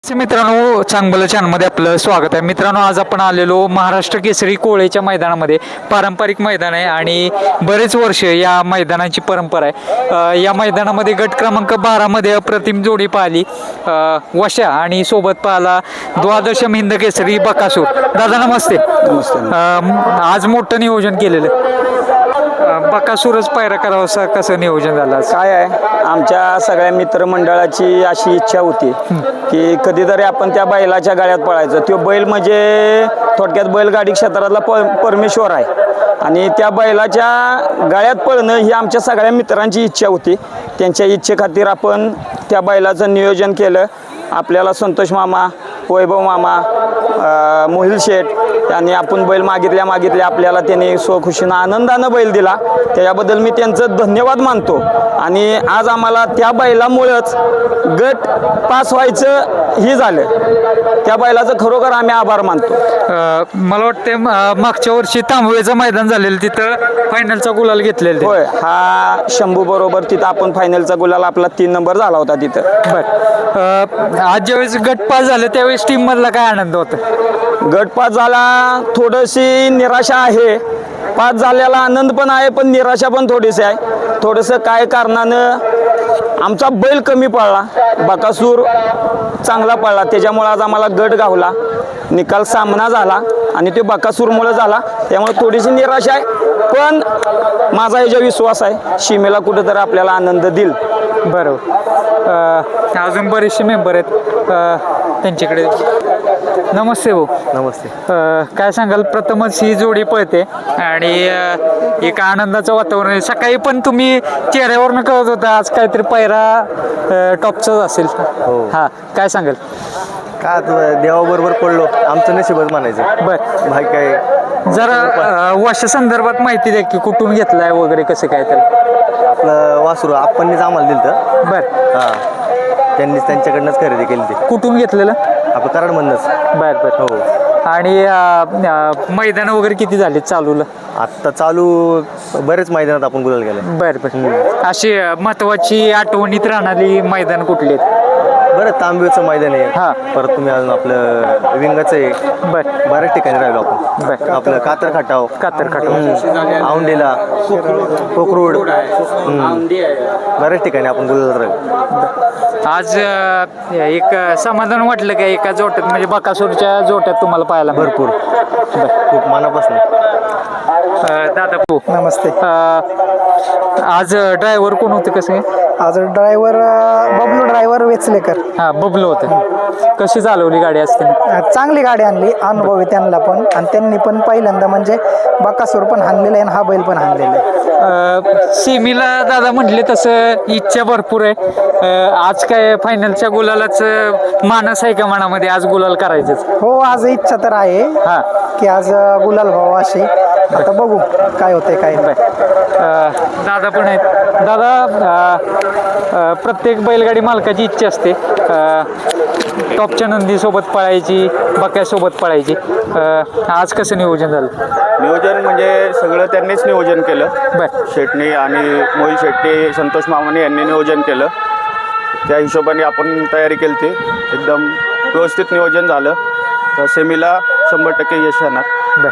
मित्रांनो, चांगलं चॅनलमध्ये आपलं स्वागत आहे. मित्रांनो, आज आपण आलेलो महाराष्ट्र केसरी कोळेच्या मैदानामध्ये. पारंपरिक मैदान आहे आणि बरेच वर्ष या मैदानाची परंपरा आहे. या मैदानामध्ये गट क्रमांक 12 मध्ये अप्रतिम जोडी पाहिली, वशा आणि सोबत पाहिला द्वादशम हिंद केसरी बकासूर. दादा नमस्ते. आज मोठं नियोजन केलेलं, बकासूरच पायरा करावा असं कसं नियोजन झालं? काय आहे, आमच्या सगळ्या मित्रमंडळाची अशी इच्छा होती की कधीतरी आपण त्या बैलाच्या गाड्यात पळायचं. तो बैल म्हणजे थोडक्यात बैलगाडी क्षेत्रातला परमेश्वर आहे आणि त्या बैलाच्या गाड्यात पळणं ही आमच्या सगळ्या मित्रांची इच्छा होती. त्यांच्या इच्छेखातीर आपण त्या बैलाचं नियोजन केलं. आपल्याला संतोष मामा, वैभव मामा, मोहिल शेठ आणि आपण बैल मागितल्या आपल्याला त्यांनी स्वखुशीनं आनंदानं बैल दिला. त्याच्याबद्दल मी त्यांचं धन्यवाद मानतो. आणि आज आम्हाला त्या बैलामुळंच गट पास व्हायचं ही झालं. त्या बैलाचं खरोखर आम्ही आभार मानतो. मला वाटतं मागच्या वर्षी तांबवेचं मैदान झालेलं, तिथं फायनलचा गुलाल घेतलेला. होय, हा शंभू बरोबर तिथं आपण फायनलचा गुलाल आपला 3 नंबर झाला होता तिथं. बरं, आज ज्यावेळेस गट पास झालं त्यावेळेस टीम मधला काय आनंद होता? गट पास झाला, थोडीशी निराशा आहे. पास झालेला आनंद पण आहे, पण निराशा पण थोडीशी आहे. थोडंसं काय कारणानं आमचा बैल कमी पडला, बकासूर चांगला पडला, त्याच्यामुळे आज आम्हाला गट गावला. निकाल सामना झाला आणि तो बकासूरमुळे झाला, त्यामुळे थोडीशी निराशा आहे. पण माझा ह्याचा विश्वास आहे, सीमेला कुठेतरी आपल्याला आनंद देईल. बरोबर. अजून बरेचसे मेंबर आहेत, त्यांच्याकडे. नमस्ते भाऊ. नमस्ते. काय सांगाल? प्रथमच ही जोडी पळते आणि एक आनंदाचं वातावरण आहे. सकाळी पण तुम्ही चेहऱ्यावरनं कळत होता आज काहीतरी पायरा टॉपचाच असेल. हो. हा, काय सांगाल? का देवाबरोबर पडलो, आमचं नशीबच म्हणायचं. बर, भाई काय जरा वर्षा संदर्भात माहिती द्या की कुठून घेतलाय वगैरे, कसं काय तर. आपलं वासरू आपणच आम्हाला दिलं तर. बर. हां, त्यांनीच त्यांच्याकडनंच खरेदी केली ती. कुठून घेतलेलं? आपलं कराडमधनंच. बर बर. हो. आणि मैदान वगैरे किती झाले चालूला? आत्ता चालू बरेच मैदानात आपण गुलाल गेले. बर बर. अशी महत्वाची आठवणीत राहणारी मैदान कुठली आहेत? बरं, तांबेचं मैदान आहे. हां. परत तुम्ही अजून आपलं विंगाचं आहे. बर बऱ्याच ठिकाणी राहिलो आपण. बर. आपलं कातर खटाव, औंढेला, कोकरूड, बऱ्याच ठिकाणी आपण गुलाल राहिलो. आज एक समाधान वाटलं का एका जोट्यात, म्हणजे बकासूरच्या जोट्यात तुम्हाला पाहायला भरपूर, खूप मनापासून. दादा भाऊ नमस्ते. आज ड्रायव्हर कोण होते, कसे? आज ड्रायव्हर बबलू ड्रायव्हर वेचलेकर. हा, बबलू होते. कशी चालवली गाडी असते? चांगली गाडी आणली, अनुभवी त्यांना पण, आणि त्यांनी पण पहिल्यांदा म्हणजे बकासूर पण हाणलेलं आहे आणि हा बैल पण हाणलेला आहे. सेमीला दादा म्हटले तसं इच्छा भरपूर आहे. आज काय फायनलच्या गुलालाच मानस आहे का मनामध्ये, आज गुलाल करायचंच? हो, आज इच्छा तर आहे हा, की आज गुलाल व्हावा अशी. आता बघू काय होते काय. दादा पण आहेत. दादा, प्रत्येक बैलगाडी मालकाची इच्छा असते टॉपच्या नंदीसोबत पळायची, बक्यासोबत पळायची. आज कसं नियोजन झालं? नियोजन म्हणजे सगळं त्यांनीच नियोजन केलं. बर. शेटणी आणि मोहिल शेट्टी, संतोष मामाने यांनी नियोजन केलं. त्या हिशोबाने आपण तयारी केली ती. एकदम व्यवस्थित नियोजन झालं. तर सेमीला 100% यश येणार. बर.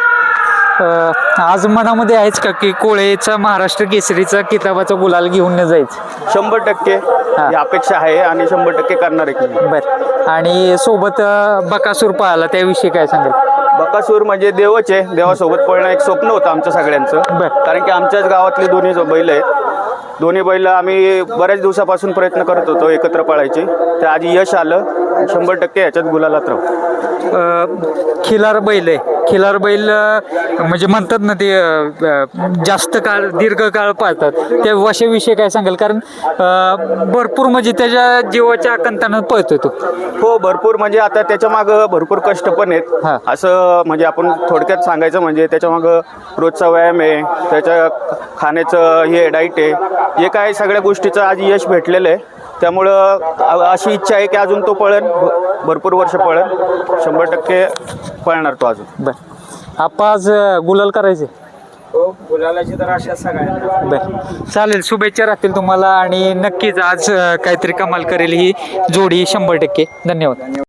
आज मनामध्ये आहेच का की कोळेचा महाराष्ट्र केसरीचा किताबाचा गुलाल घेऊन जायचं? 100% ही अपेक्षा आहे आणि 100% करणार आहे. बर. आणि सोबत बकासूर पाहिला, त्याविषयी काय सांगाल? बकासूर म्हणजे देवच आहे. देवासोबत पळणं एक स्वप्न होतं आमचं सगळ्यांचं. बरं. कारण की आमच्याच गावातली दोन्ही बैल आहेत. दोन्ही बैल आम्ही बऱ्याच दिवसापासून प्रयत्न करत होतो एकत्र पळायची. तर आज यश आलं. 100% याच्यात गुलालात राहू. खिलार बैल आहे. खिलार बैल म्हणजे म्हणतात ना ते जास्त काळ, दीर्घकाळ पाळतात, त्या वशाविषयी काय सांगाल? कारण भरपूर म्हणजे त्याच्या जीवाच्या आकंतानं पळतोय तो. हो, भरपूर म्हणजे आता त्याच्या मागं भरपूर कष्ट पण आहेत. हां. असं म्हणजे आपण थोडक्यात सांगायचं म्हणजे त्याच्या मागं रोजचा व्यायाम आहे, त्याच्या खाण्याचं हे डाईट आहे, हे काय सगळ्या गोष्टीचं आज यश भेटलेलं आहे. त्यामुळं अशी इच्छा आहे की अजून तो पळेल, भरपूर वर्ष पळेल. 100% पळणार तो अजून. बर. आपण आज गुलाल करायचे? हो, गुलालाची तर आशा सगळ्यांना. बर, चालेल. शुभेच्छा राहतील तुम्हाला आणि नक्कीच आज काहीतरी कमाल करेल ही जोडी 100%. धन्यवाद.